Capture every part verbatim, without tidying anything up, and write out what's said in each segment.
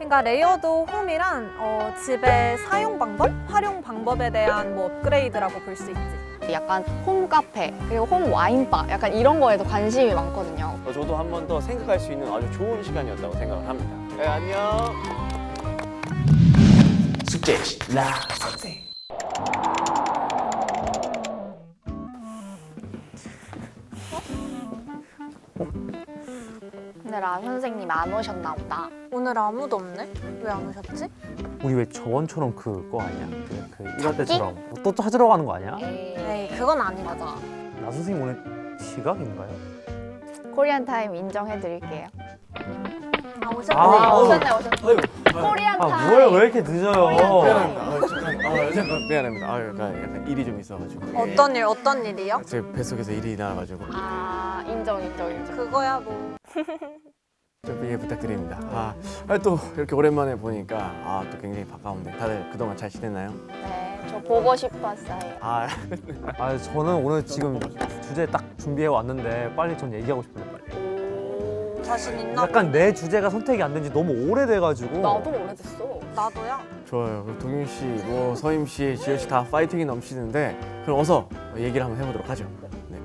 그러니까 레이어드 홈이란 어, 집의 사용 방법, 활용 방법에 대한 뭐 업그레이드라고 볼 수 있지. 약간 홈 카페 그리고 홈 와인바 약간 이런 거에도 관심이 많거든요. 어, 저도 한 번 더 생각할 수 있는 아주 좋은 시간이었다고 생각을 합니다. 네, 안녕. 숙제 라 선생. 근데 라 선생님 안 오셨나 보다. 오늘 아무도 없네? 왜 안 오셨지? 우리 왜 저번처럼 그거 아니야? 그, 그 일할 때처럼 또 찾으러 가는 거 아니야? 에이, 그건 아니다. 맞아. 나 선생님 오늘 지각인가요? 코리안 타임 인정해드릴게요. 아, 오셨네. 아, 아, 오셨네 오셨네. 코리안 아 타임. 뭐야 왜 이렇게 늦어요? 미안합니다. 아, 잠깐. 아, 잠깐 미안합니다. 아, 약간, 약간 일이 좀 있어가지고. 어떤 일, 어떤 일이요? 제 뱃속에서 일이 나와가지고 아 인정 인정 인정. 그거야 뭐. 좀 이해 부탁드립니다. 아, 아, 또 이렇게 오랜만에 보니까 아, 또 굉장히 반가운데 다들 그동안 잘 지냈나요? 네, 저 보고 싶었어요. 아, 아 저는 오늘 지금 주제 딱 준비해 왔는데 빨리 전 얘기하고 싶어요. 오, 자신 있나? 약간 내 주제가 선택이 안 된 지 너무 오래돼가지고. 나도 오래됐어. 나도야. 좋아요. 그럼 동윤 씨, 뭐 서임 씨, 지효 씨 다 파이팅이 넘치는데 그럼 어서 얘기를 한번 해보도록 하죠. 네.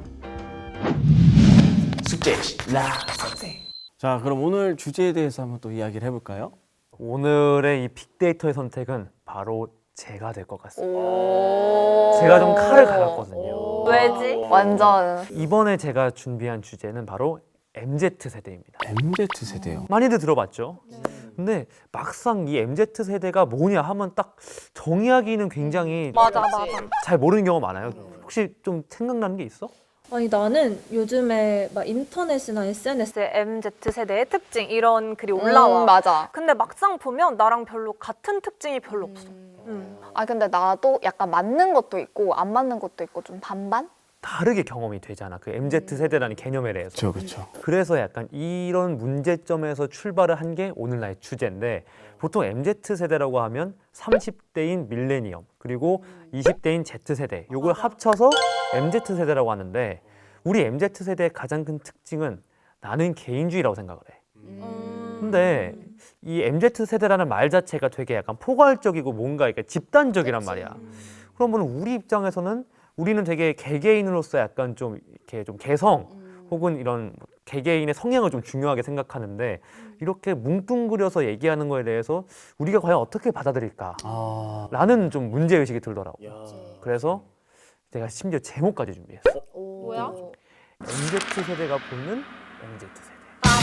숙제 라 선생. 자, 그럼 오늘 주제에 대해서 한번 또 이야기를 해볼까요? 오늘의 이 빅데이터의 선택은 바로 제가 될 것 같습니다. 오. 제가 좀 칼을 갈았거든요. 오. 왜지? 완전. 이번에 제가 준비한 주제는 바로 엠지 세대입니다. 엠지 세대요. 많이들 들어봤죠? 근데 막상 이 엠지 세대가 뭐냐 하면 딱 정의하기는 굉장히 맞아, 맞아. 잘 모르는 경우가 많아요. 혹시 좀 생각나는 게 있어? 아니 나는 요즘에 막 인터넷이나 에스엔에스 엠지 세대의 특징 이런 글이 올라와. 음, 맞아. 근데 막상 보면 나랑 별로 같은 특징이 별로 없어. 음. 아 근데 나도 약간 맞는 것도 있고 안 맞는 것도 있고 좀 반반? 다르게 경험이 되잖아. 그 엠지 세대라는 개념에 대해서. 그렇죠, 그렇죠. 그래서 약간 이런 문제점에서 출발을 한 게 오늘날의 주제인데 보통 엠지 세대라고 하면 삼십 대인 밀레니엄 그리고 이십 대인 Z세대 요걸 합쳐서 엠지 세대라고 하는데 우리 엠지 세대의 가장 큰 특징은 나는 개인주의라고 생각을 해. 근데 이 엠지 세대라는 말 자체가 되게 약간 포괄적이고 뭔가 이렇게 집단적이란 말이야. 그러면 우리 입장에서는 우리는 되게 개개인으로서 약간 좀 이렇게 좀 개성 혹은 이런 개개인의 성향을 좀 중요하게 생각하는데 이렇게 뭉뚱그려서 얘기하는 거에 대해서 우리가 과연 어떻게 받아들일까? 아, 라는 좀 문제의식이 들더라고. 그래서 제가 심지어 제목까지 준비했어. 뭐야? 엠지 세대가 보는 엠지 세대.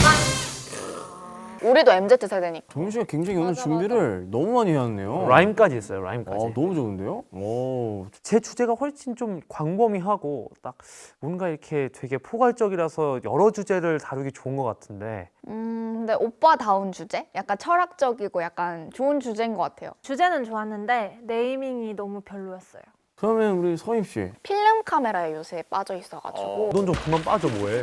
우리도 엠지 세대니까. 동윤 씨가 굉장히 오늘 준비를 너무 많이 해왔네요. 라임까지 있어요. 아, 라임까지. 너무 좋은데요? 오, 제 주제가 훨씬 좀 광범위하고 딱 뭔가 이렇게 되게 포괄적이라서 여러 주제를 다루기 좋은 것 같은데 음 근데 오빠다운 주제? 약간 철학적이고 약간 좋은 주제인 것 같아요. 주제는 좋았는데 네이밍이 너무 별로였어요. 그러면 우리 서임 씨. 필름 카메라에 요새 빠져 있어가지고 넌 좀 그만 빠져 뭐해.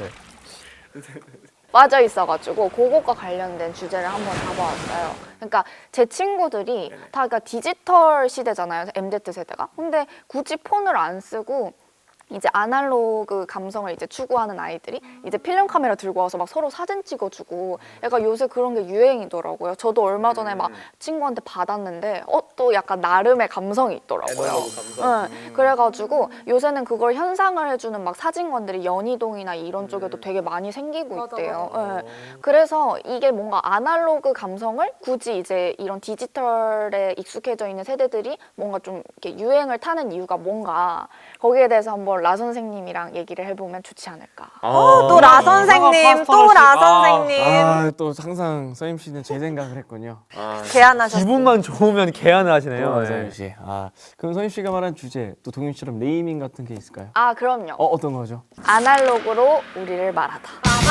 빠져 있어가지고 그것과 관련된 주제를 한번 잡아왔어요. 그러니까 제 친구들이 다 그러니까 디지털 시대잖아요, 엠지 세대가. 근데 굳이 폰을 안 쓰고 이제 아날로그 감성을 이제 추구하는 아이들이 이제 필름 카메라 들고 와서 막 서로 사진 찍어주고 약간 요새 그런 게 유행이더라고요. 저도 얼마 전에 막 친구한테 받았는데 어 또 약간 나름의 감성이 있더라고요. 네, 그래가지고 요새는 그걸 현상을 해주는 막 사진관들이 연희동이나 이런 쪽에도 되게 많이 생기고 맞아, 있대요. 맞아. 네. 그래서 이게 뭔가 아날로그 감성을 굳이 이제 이런 디지털에 익숙해져 있는 세대들이 뭔가 좀 이렇게 유행을 타는 이유가 뭔가 거기에 대해서 한번 라 선생님이랑 얘기를 해보면 좋지 않을까. 어, 또 라 선생님, 또 라 선생님. 아, 또 항상 서임 씨는 제 생각을 했군요. 아, 제안하셨어요. 기분만 좋으면 개안을 하시네요. 또 네. 서임 씨. 아, 그럼 서임 씨가 말한 주제 또 동윤 씨처럼 네이밍 같은 게 있을까요? 아 그럼요. 어, 어떤 거죠? 아날로그로 우리를 말하다.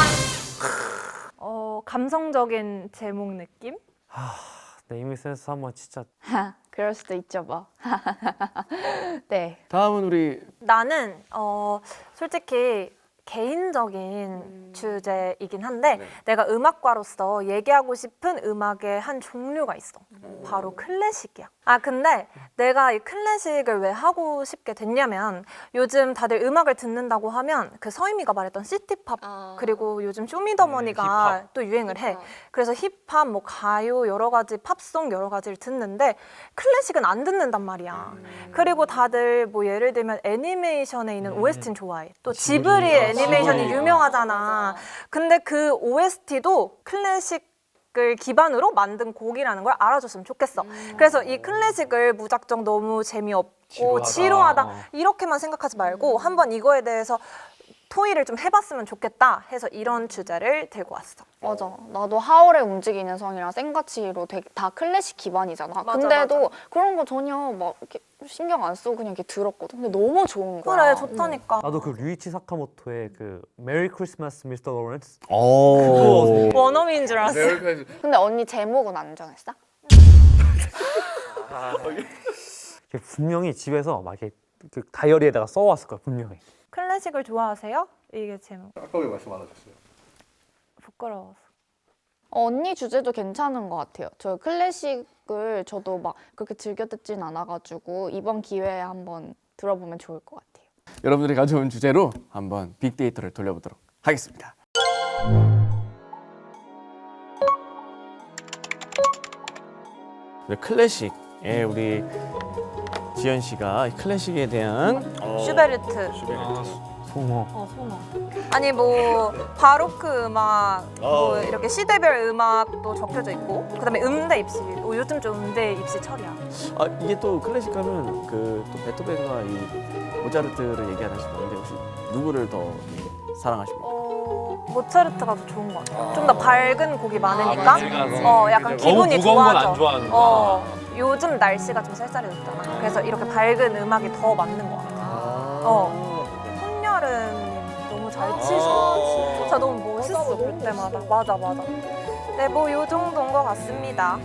어, 감성적인 제목 느낌? 네이밍 센스 한번 진짜 그럴 수도 있죠 뭐. 네. 다음은 우리 나는 어, 솔직히 개인적인 주제이긴 한데 내가 음악과로서 얘기하고 싶은 음악의 한 종류가 있어. 바로 클래식이야. 아 근데 내가 이 클래식을 왜 하고 싶게 됐냐면 요즘 다들 음악을 듣는다고 하면 그 서희미가 말했던 시티팝 아. 그리고 요즘 쇼미더머니가 또 유행을 해. 그래서 힙합, 뭐 가요 여러 가지 팝송 여러 가지를 듣는데 클래식은 안 듣는단 말이야. 그리고 다들 뭐 예를 들면 애니메이션에 있는 오에스티는 좋아해. 또 지브리 애니메이션이 유명하잖아. 근데 그 오에스티도 클래식을 기반으로 만든 곡이라는 걸 알아줬으면 좋겠어. 그래서 이 클래식을 무작정 너무 재미없고 지루하다 이렇게만 생각하지 말고 한번 이거에 대해서 토의를 좀 해봤으면 좋겠다 해서 이런 주제를 들고 왔어. 맞아. 나도 하울의 움직이는 성이랑 생가치로 되게 다 클래식 기반이잖아. 맞아, 근데도 맞아. 그런 거 전혀 막 이렇게 신경 안 쓰고 그냥 이렇게 들었거든. 근데 너무 좋은 거야. 그래 좋다니까. 나도 그 류이치 사카모토의 그 메리 크리스마스 미스터 로렌스 오. 원어민인 줄 알았어. 근데 언니 제목은 안 정했어? 이게 분명히 집에서 막 이렇게 그 다이어리에다가 써왔을 거야 분명히. 클래식을 좋아하세요? 이게 제목. 아까 왜 말씀 안 하셨어요? 부끄러워서. 어, 언니 주제도 괜찮은 것 같아요. 저 클래식을 저도 막 그렇게 즐겨 듣진 않아가지고 이번 기회에 한번 들어보면 좋을 것 같아요. 여러분들이 가져온 주제로 한번 빅데이터를 돌려보도록 하겠습니다. 네, 클래식에 우리 지연 씨가 클래식에 대한 슈베르트. 송어. 어, 송어. 아니 뭐 바로크 음악, 뭐 이렇게 시대별 음악도 적혀져 있고, 그다음에 음대 입시. 어, 요즘 좀 음대 입시 철이야. 아 이게 또 클래식 하면 그 또 베토벤과 이 모차르트를 얘기하는 싶었는데 혹시 누구를 더 사랑하십니까? 어, 모차르트가 더 좋은 것 같아. 좀 더 밝은 곡이 많으니까. 밝아서. 어, 약간 너무 기분이 무거운 건 안 좋아져. 좋아하는구나. 어, 요즘 날씨가 좀 쌀쌀해졌잖아. 그래서 이렇게 밝은 음악이 더 맞는 것 같아. 어. 손여름님 너무 잘 치셔. 진짜 너무 멋있어 볼 때마다. 맞아 맞아. 네, 뭐 요 정도인 것 같습니다.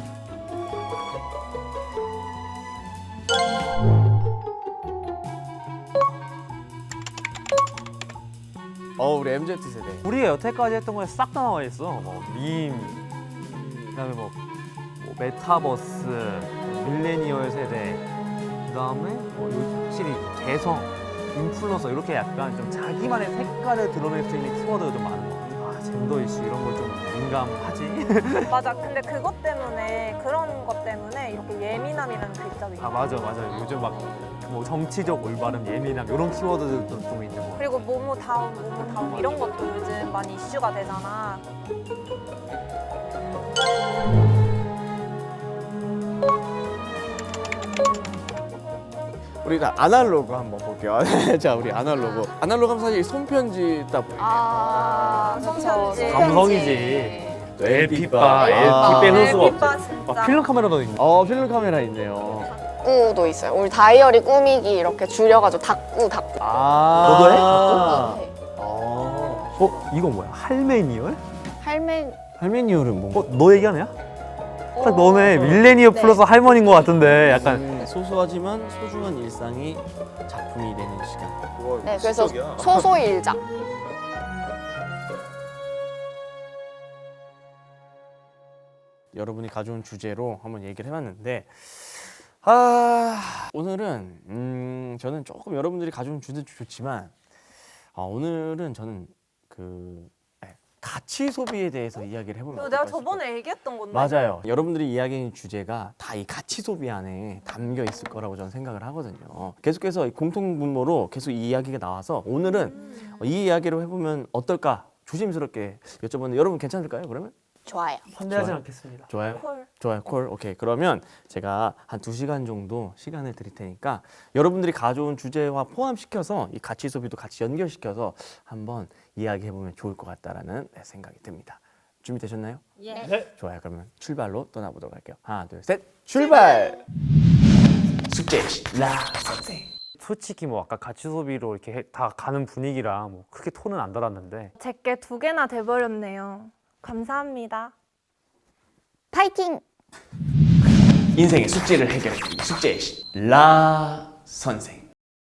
어 우리 엠지 세대. 우리가 여태까지 했던 거에 싹 다 나와 있어. 뭐 밈, 그다음에 뭐, 뭐 메타버스, 밀레니얼 세대, 그다음에 뭐 요- 확실히 개성, 인플루언서 이렇게 약간 좀 자기만의 색깔을 드러낼 수 있는 키워드가 좀 많은 것 같아. 아 젠더 이슈 이런 걸 좀 민감하지. 맞아. 근데 그것 때문에 그런 것 때문에 이렇게 예민함이라는 글자도 있고. 아 맞아 맞아. 요즘 막 뭐 정치적 올바름, 예민함 이런 키워드들도 좀 있는 것 같아. 그리고 모모 다운, 모모 다운 이런 것도 요즘 많이 이슈가 되잖아. 우리가 아날로그 한번 볼게요. 자 우리 아날로그. 아날로그 하면 사실 손편지 딱 보이게. 아, 손편지. 그쵸. 감성이지. 엘피바, 아. 엘피 빼놓을 수가 없지. 엘피바 진짜. 막 필름 카메라도 있네. 어 필름 카메라 있네요. 닭구도 있어요. 우리 다이어리 꾸미기 이렇게 줄여가지고 닭구, 닭구. 아 너도 해? 네. 어. 어 이건 뭐야? 할메니얼? 할매. 할메니얼은 뭔가? 어 너 얘기하냐? 딱 너네 밀레니얼 네. 플러스 할머니인 것 같은데 약간 음, 소소하지만 소중한 일상이 작품이 되는 시간. 네, 그래서 소소일작. 여러분이 가져온 주제로 한번 얘기를 해봤는데 아 오늘은 음 저는 조금 여러분들이 가져온 주제도 좋지만 아 오늘은 저는 그 네, 가치 소비에 대해서 이야기를 해보면 이거 어떨까 내가 저번에 싶어요. 얘기했던 건데. 맞아요. 여러분들이 이야기하는 주제가 다 이 가치 소비 안에 담겨 있을 거라고 저는 생각을 하거든요. 계속해서 이 공통 분모로 계속 이 이야기가 나와서 오늘은 이 이야기를 해보면 어떨까 조심스럽게 여쭤보는데 여러분 괜찮을까요? 그러면? 좋아요. 환대하지 좋아요. 않겠습니다. 좋아요. 콜. 좋아요. 콜. 오케이. 그러면 제가 한 두 시간 정도 시간을 드릴 테니까 여러분들이 가져온 주제와 포함시켜서 이 가치 소비도 같이 연결시켜서 한번 이야기해 보면 좋을 것 같다라는 생각이 듭니다. 준비되셨나요? 예. 좋아요. 그러면 출발로 떠나보도록 할게요. 하나, 둘, 셋. 출발. 숙제 라 선생. 솔직히 뭐 아까 가치 소비로 이렇게 해- 다 가는 분위기라 뭐 크게 톤은 안 달았는데 제게 두 개나 돼버렸네요. 감사합니다. 파이팅! 인생의 숙제를 해결해 주는 숙제 라 선생.